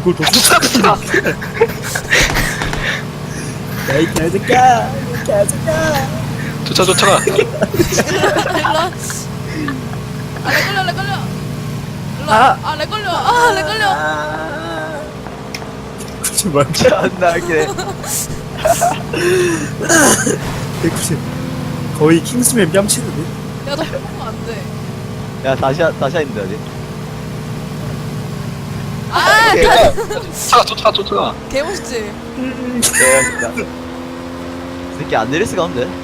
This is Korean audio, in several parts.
이걸 더 쫓아가냐? 야이 개새끼야, 이 개새끼야. 쫓아가. 일로 와. 렉 걸려. 일로 와. 렉 걸려. 렉 걸려. 제발. 존나게 190. 거의 킹스맨 뺨치는데? 야, 너 뽑으면 안 돼. 야 다시야 있는데 어디 쫓아가. 개멋있지? 진짜 이 새끼 안 내릴 수가 없는데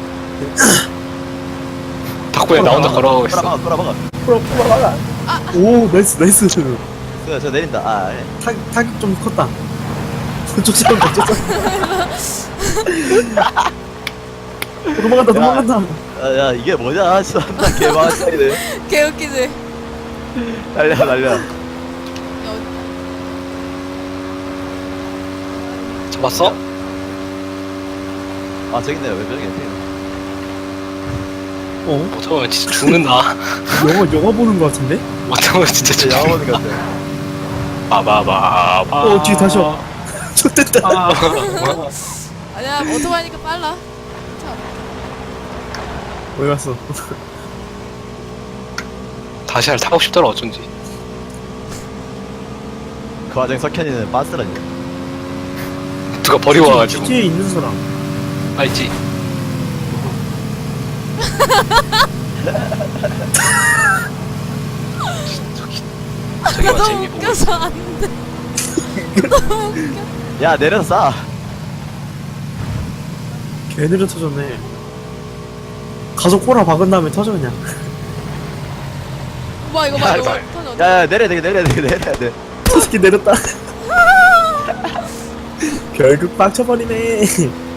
덕분에 나 혼자 걸어가고 있어. 돌아봐가 풀어봐라. 오, 나이스. 저 내린다 타격 좀 컸다. 쫓아간다. 도망간다. 야 이게 뭐냐 진짜 개망한 차이네 개웃기지? 날려 야, 잡았어? 아 저기 있네요 왜 저기 있네요 못 잡으면 진짜 죽는다. 영화 보는 거 같은데? 못 잡으면 진짜 진짜 죽는다. 양아버니 같아 바바바. 뒤에 다시 와. 좋됐다. 아니야, 오토바이니까 빨라. 어디 갔어? 다시 타고 싶더라 어쩐지. 그 와중에 석현이는 빤스라니 누가 버리고 와가지고. GTA에 있는 사람. 알지? 저기만 너무 재미 보고. 웃겨서 안 돼. 너무 웃겨. 야 내려서 싸 개 느려 터졌네. 가속 꼬라 박은 다음에 터져 그냥. 봐, 이거 야, 터져. 야 내려야 돼 저 새끼 내렸다. 결국 빡쳐버리네.